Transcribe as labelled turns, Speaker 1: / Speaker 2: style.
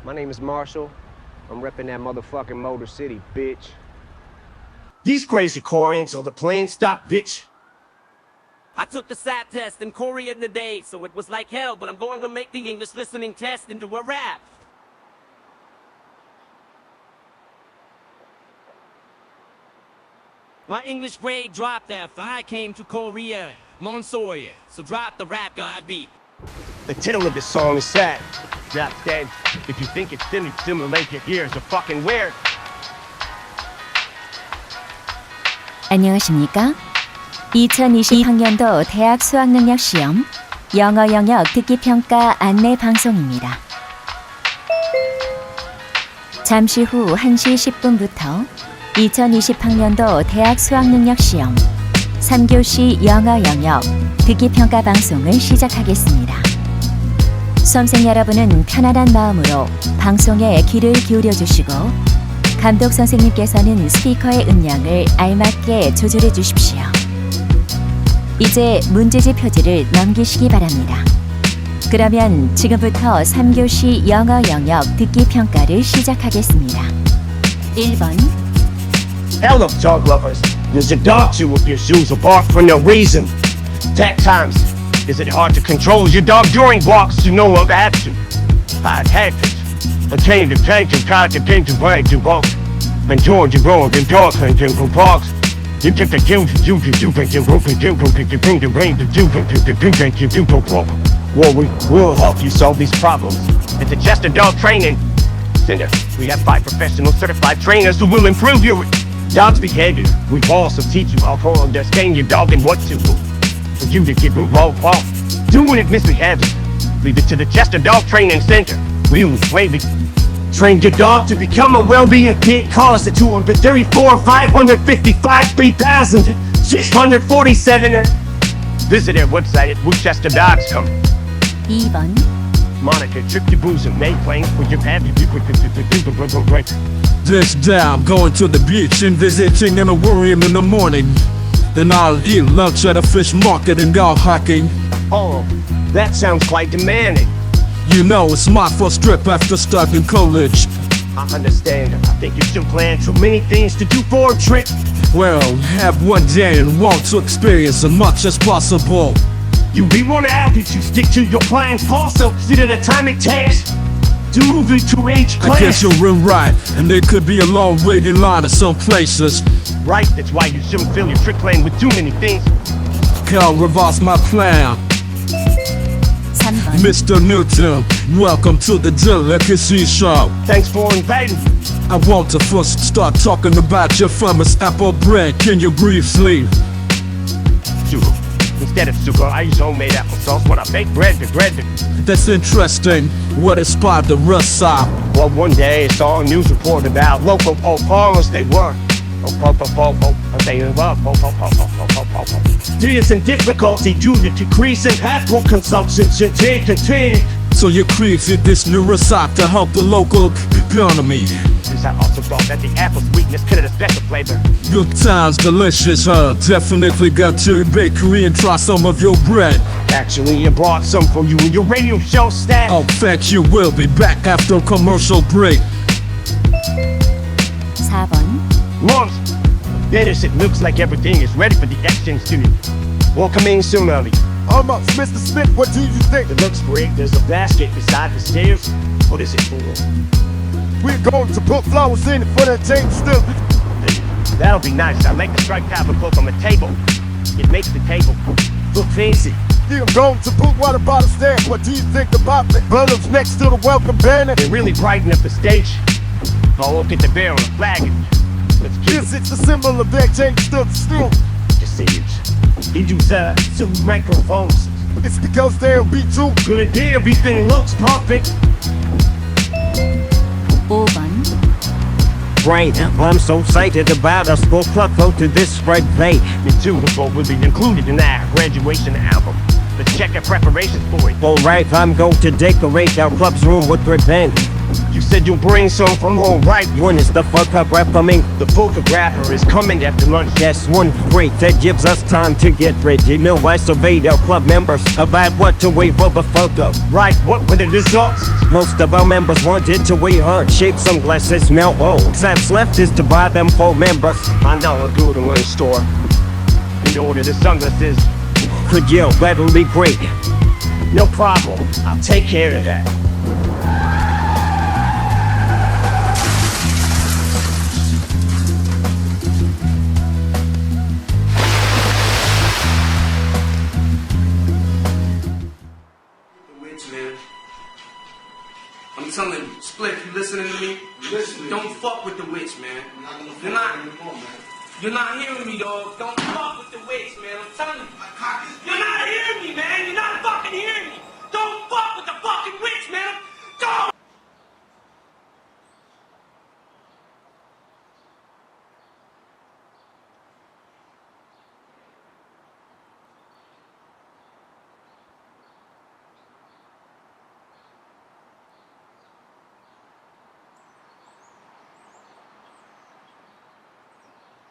Speaker 1: My name is Marshall. I'm repping that motherfucking Motor City, bitch.
Speaker 2: These crazy Koreans on the plane stop, bitch.
Speaker 3: I took the SAT test in Korean today, so it was like hell, but I'm going to make the English listening test into a rap. My English grade dropped after I came to Korea, Monsoya, so drop the rap god beat.
Speaker 2: The title of this song is sad. Drop dead. If you think it's silly, simulate your ears are fucking weird.
Speaker 4: 안녕하십니까? 2020학년도 대학 수학능력 시험 영어 영역 듣기 평가 안내 방송입니다. 잠시 후 1시 10분부터 2020학년도 대학 수학능력 시험 3교시 영어 영역 듣기 평가 방송을 시작하겠습니다. 수험생 여러분은 편안한 마음으로 방송에 귀를 기울여 주시고 감독 선생님께서는 스피커의 음량을 알맞게 조절해 주십시오. 이제 문제지 표지를 넘기시기 바랍니다. 그러면 지금부터 3교시 영어 영역 듣기 평가를 시작하겠습니다. 1번
Speaker 2: Hello, dog lovers. Does your dog chew up your shoes or bark for no reason? At times, is it hard to control your dog during walks to no other action? I'd have it. A change of change and try to change the way to walk. And George and Road and dog hunting from parks. You take the kills and you think you're roping, you think you bring the rain to do, think you do walk. Well, we will help you solve these problems. At the Chester Dog Training Center, we have 5 professional certified trainers who will improve your dog's behavior. We also teach you how to understand your dog and what to do. For you to get involved while doing it misbehavior. Leave it to the Chester Dog Training Center. We will maybe train your dog to become a well-being kid. Call us at 234-555-3647. Visit our website at WoodchesterDogs.com.
Speaker 4: 2번
Speaker 2: Monitor trip your booze and make plans for your happy people.
Speaker 5: This day I'm going to the beach and visiting an aquarium in the morning. Then I'll eat lunch at a fish market and go hiking.
Speaker 2: Oh, that sounds quite demanding.
Speaker 5: You know, it's my first trip after starting college.
Speaker 2: I understand. I think you should plan too many things to do for a trip.
Speaker 5: Well, have one day and want to experience as much as possible.
Speaker 2: We want to ask you to stick to your plans. Also, consider the time it takes to move into each class.
Speaker 5: I guess you're right, and there could be a long waiting line at some places.
Speaker 2: Right, that's why you shouldn't fill your trip plan with too many things.
Speaker 5: Can't revise my plan.
Speaker 4: 3번
Speaker 5: Mr. Newton, welcome to the Delicacy Show.
Speaker 2: Thanks for inviting me.
Speaker 5: I want to first start talking about your famous apple bread. Can you briefly?
Speaker 2: Sugar. Instead of sugar, I use homemade applesauce when I bake bread.
Speaker 5: That's interesting. What inspired the recipe?
Speaker 2: Well, one day I saw a news report about local farmers. They were experiencing difficulty due to decreasing apple consumption.
Speaker 5: So you created this new recipe to help the local economy.
Speaker 2: I also thought that the apple sweetness could have a special flavor.
Speaker 5: Good times, delicious, huh? Definitely got to the bakery and try some of your bread.
Speaker 2: Actually, I brought some for you in your radio show staff.
Speaker 5: Oh, thank you. We'll be back after a commercial break.
Speaker 4: 4번
Speaker 2: Mums, Dennis, it looks like everything is ready for the exchange student. Welcoming soon, early.
Speaker 6: Mr. Smith, what do you think?
Speaker 2: It looks great. There's a basket beside the stairs. What is it for?
Speaker 6: We're going to put flowers in for the table still.
Speaker 2: That'll be nice. I like the striped type of book on the table. It makes the table look fancy.
Speaker 6: Yeah, I'm going to put water bottles there. What do you think about the balloons next to the welcome banner?
Speaker 2: They really brighten up the stage. I'll look at the bear on the flag. Let's keep
Speaker 6: Yes, it's a symbol of their change still.
Speaker 2: just see it. He use two microphones.
Speaker 6: It's because they'll be too
Speaker 2: Good day, everything looks perfect.
Speaker 4: 5번
Speaker 3: Right, I'm so excited about us both go to this spread play.
Speaker 2: The two will be included in our graduation album. Let's check our preparations for it.
Speaker 3: Alright, I'm going to decorate our club's room with red band.
Speaker 2: You said you'll bring some from home, right?
Speaker 7: When is the photograph coming?
Speaker 2: The photographer is coming after lunch.
Speaker 7: That's one break that gives us time to get ready. No, I surveyed our club members about what to wear for the photo.
Speaker 2: Right, what were the results?
Speaker 7: Most of our members wanted to wear heart-shaped sunglasses. Now all that's left is to buy them for members.
Speaker 2: I know a good one store. In order the sunglasses.
Speaker 7: Could you? That'll be great.
Speaker 2: No problem. I'll take care of that.
Speaker 8: Witch, man. I'm telling you, Split, you listening to me? Don't fuck with the witch, man. You're not hearing me, dog. Don't fuck with the witch, man. I'm telling you. You're not hearing me, man. You're not fucking